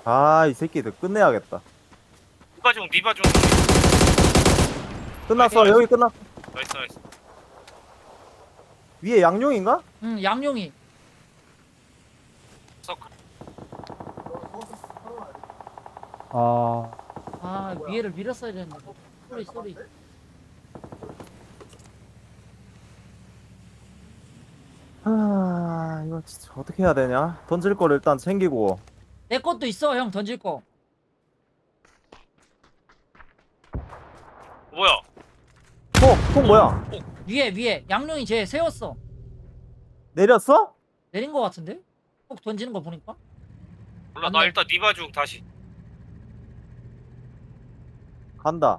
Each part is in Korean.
아, 이 새끼들 끝내야겠다. 니바중. 끝났어. 나이스. 여기 끝났어. 나이스. 위에 양용인가? 응, 양용이. 서클. 아, 아, 위에를 밀었어야 되는데. 쏘리. 아, 이거 진짜 어떻게 해야 되냐? 던질 걸 일단 챙기고. 내 것도 있어, 형 던질 거. 뭐야? 통 뭐야? 위에. 양용이 쟤 세웠어. 내렸어? 내린 거 같은데? 꼭 던지는 거 보니까? 몰라. 안 나 내- 일단 니바중 다시. 간다.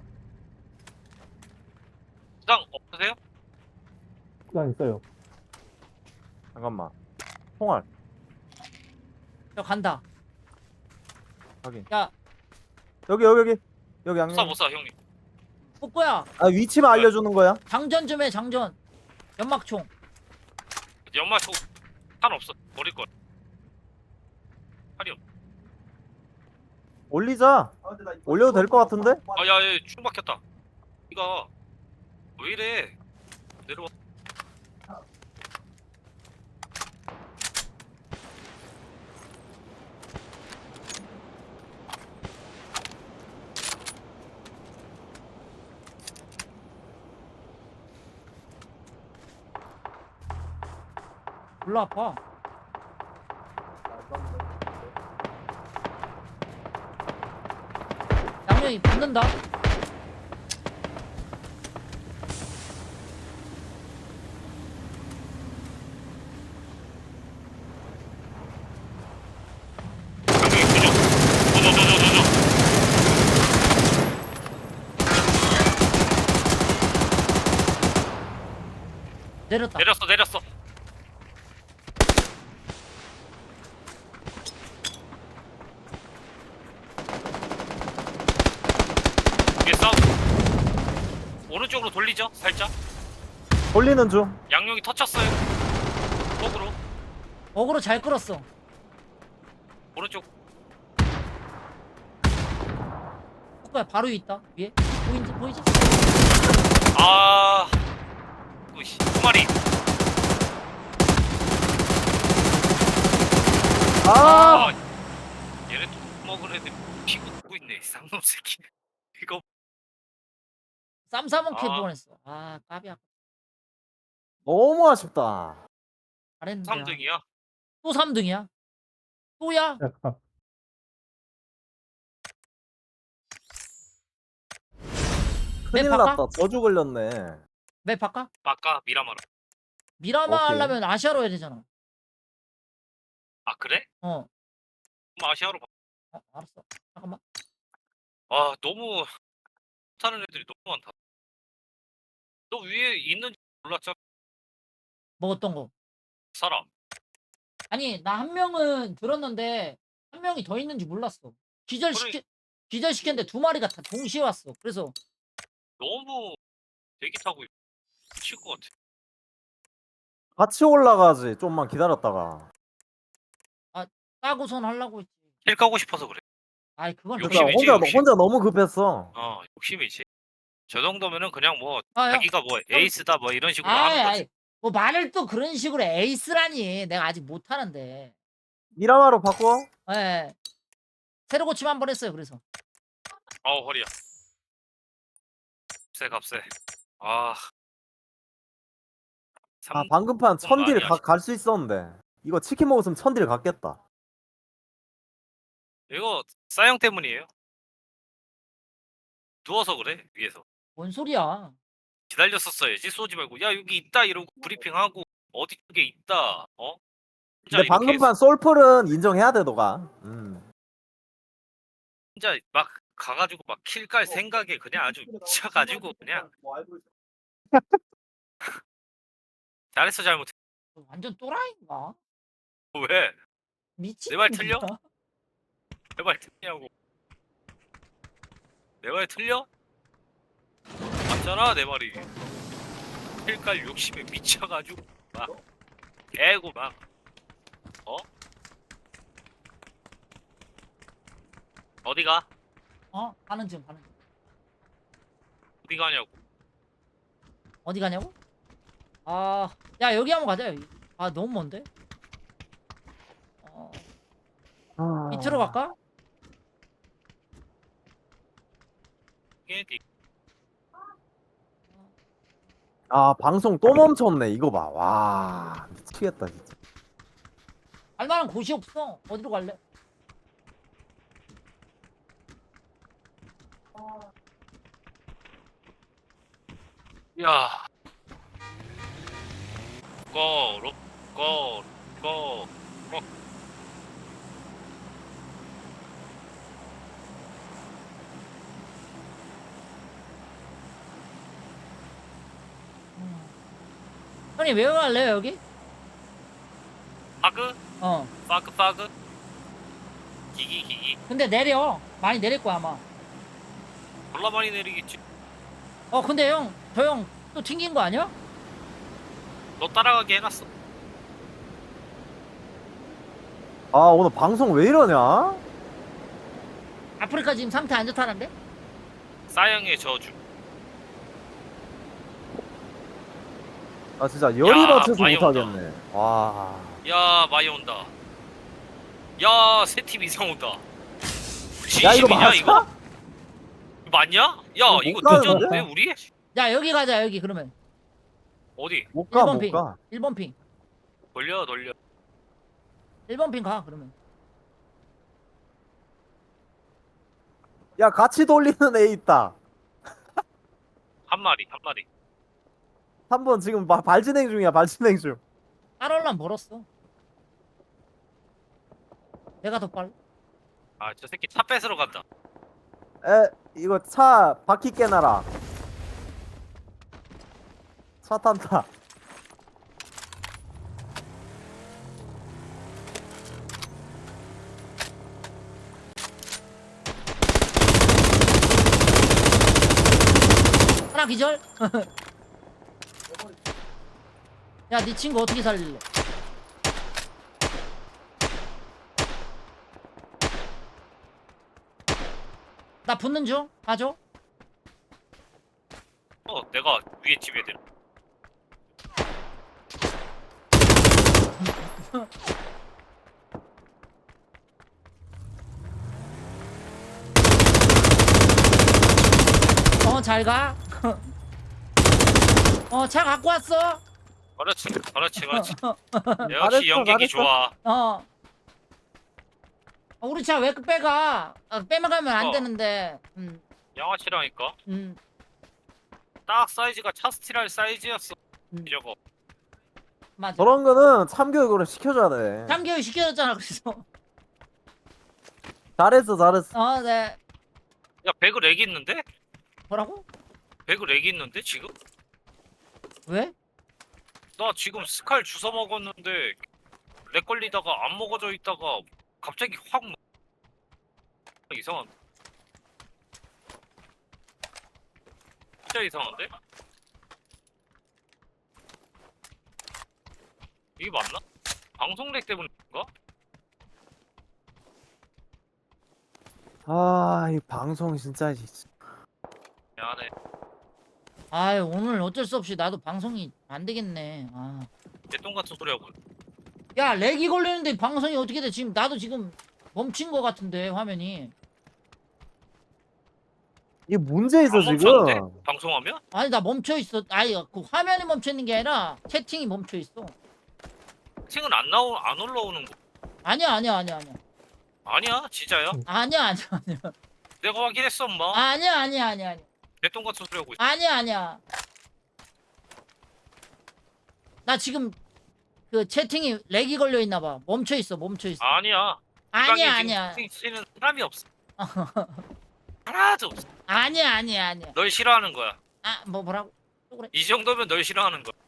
수당 없으세요? 시간 있어요. 잠깐만. 총알. 야, 간다. 확인. 야, 여기 양용. 못 쏴 형님. 뿌꾸야. 아, 위치만 알려주는 거야? 장전 좀 해, 장전. 연막총. 연마 탄 없어. 버릴 거야. 탄이 없. 올리자. 올려도 될 것 같은데? 야얘 충 박혔다. 이가 왜 이래? 내려와. 몰라, 아파. 양용이 붙는다. 형님 조져. 내렸다. 내렸어. 위에 싸움. 오른쪽으로 돌리죠. 살짝. 돌리는 중. 양용이 터쳤어요. 거꾸로. 어그로 잘 끌었어. 오른쪽. 뿌꾸야, 바로 위에 있다. 위에. 보이지? 아. 으이씨. 두 마리. 아! 아. 얘네 또 먹은 애들 피고 두고 있네. 쌍놈 새끼. 이거 쌈싸먹 캐 아. 뻔했어. 아, 까비야. 너무 아쉽다. 잘했는데. 3등이야. 또 3등이야. 또야? 약간. 큰일 바꿔? 났다. 저주 걸렸네. 맵 바꿔? 아까 미라마라. 미라마 오케이. 하려면 아시아로 해야 되잖아. 아 그래? 어. 그럼 아시아로 봐. 알았어. 잠깐만. 아 너무 타는 애들이 너무 많다. 너 위에 있는지 몰랐잖아. 뭐 어떤 거? 사람. 아니, 나 한 명은 들었는데 한 명이 더 있는지 몰랐어. 기절시켰는데 두 마리가 다 동시에 왔어. 그래서 너무 대기 타고 미칠 것 같아. 같이 올라가지. 좀만 기다렸다가. 까고선 하려고 했지. 힐 까고 싶어서 그래. 아이, 그건 욕심이지, 그러니까 욕심. 혼자 너무 급했어. 욕심이지. 저 정도면은 그냥 뭐 아, 형. 자기가 뭐 에이스다 뭐 이런 식으로 하는 거지. 뭐 말을 또 그런 식으로 에이스라니. 내가 아직 못하는데. 미라마로 바꿔? 예. 새로 고침 한번 했어요. 그래서 아우 허리야. 값세. 아. 아, 방금 판 천딜 많이 갈 수 있었는데. 이거 치킨 먹었으면 천딜 갔겠다. 이거 싸형 때문이에요. 누워서 그래 위에서. 뭔 소리야? 기다렸었어야지. 쏘지 말고 야 여기 있다 이러고 브리핑하고 어디 쪽에 있다. 어? 혼자 근데 방금 이렇게 판 솔플은 인정해야 돼, 너가. 혼자 막 가가지고 막 킬 깔 생각에 그냥 아주 미쳐가지고 그냥 잘했어 잘못했어. 완전 또라이인가? 왜? 미친. 내 말 틀려? 내 말 틀냐고. 내 말 틀려? 맞잖아 내 말이. 킬 깔 욕심에 미쳐가지고 막 애고 막 어? 어디가? 가는 중 가는 중. 어디 가냐고. 어디 가냐고? 야 여기 한번 가자 여기. 너무 먼데? 밑으로 갈까? 이게 아, 방송 또 멈췄네. 이거 봐. 와, 미치겠다, 진짜. 갈만한 곳이 없어. 어디로 갈래? 야. 고, 고, 고, 고. 형님 왜 갈래요 여기? 파그? 어. 파그? 기기. 근데 내려. 많이 내릴 거야 아마. 졸라 많이 내리겠지. 근데 형, 저 형 또 튕긴 거 아니야? 너 따라가게 해놨어. 아, 오늘 방송 왜 이러냐? 아프리카 지금 상태 안 좋다는데? 싸영의 저주. 아, 진짜 열이 받쳐서 많이 못하겠네. 와. 야, 많이 온다. 야, 세 팀 이상 온다. 야, 이거 진심이냐, 맞아? 이거? 맞냐? 야, 못 이거 가는데? 늦었는데, 우리? 야 여기 가자 여기 그러면. 어디? 못 가, 1번 못 핑. 가. 1번 핑. 돌려. 1번 핑 가 그러면. 야, 같이 돌리는 애 있다. 한 마리. 3번 지금 발진행 중이야, 발진행 중. 따라올라면 멀었어. 내가 더 빨라. 아, 저 새끼 차 뺏으러 간다. 이거 차 바퀴 깨놔라. 차 탄다. 하나 기절. 야, 네 친구 어떻게 살릴래? 나 붙는 중. 가줘. 내가 위에 집에 들. 잘 가. 차 갖고 왔어. 그렇지. 역시 잘했어, 연객이 잘했어. 좋아. 우리 차 왜 빼가? 빼먹으면 안 어. 되는데. 양아치라니까. 음. 딱 사이즈가 차스티랄 사이즈였어. 저거. 맞아. 저런 거는 참교육으로 시켜줘야 돼. 3개월 시켜줬잖아, 그래서. 잘했어. 네. 야, 배그 렉 있는데? 뭐라고? 배그 렉 있는데 지금? 왜? 나 지금 스칼 주워 먹었는데 렉 걸리다가 안 먹어져 있다가 갑자기 확 이상한. 진짜 이상한데? 이게 맞나? 방송 렉 때문인가? 아, 이 방송 진짜. 미안해. 아유, 오늘 어쩔 수 없이 나도 방송이 안 되겠네. 개똥 같은 소리 하고. 야, 렉이 걸리는데 방송이 어떻게 돼? 지금 나도 지금 멈춘 거 같은데 화면이. 이게 문제 있어, 안 멈췄는데? 지금. 방송하면? 아니 나 멈춰 있어. 아니 그 화면이 멈춰 있는 게 아니라 채팅이 멈춰 있어. 채팅은 안 올라오는 거. 아니야. 아니야, 진짜야. 아니야. 내가 확인했어, 엄마. 아니야. 개똥 같은 소리 하고 있어. 아니야. 나 지금 그 채팅이 렉이 걸려 있나 봐. 멈춰 있어. 아니야. 이 방에 지금 아니야. 채팅 치는 사람이 없어. 하나도 없어. 아니야. 널 싫어하는 거야. 뭐라고? 또 그래. 이 정도면 널 싫어하는 거야.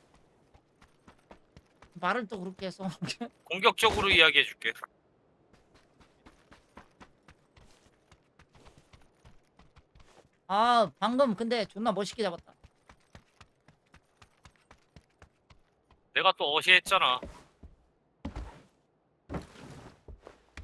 말을 또 그렇게 해서. 공격적으로 이야기해줄게. 방금 근데 존나 멋있게 잡았다. 내가 또 어시했잖아.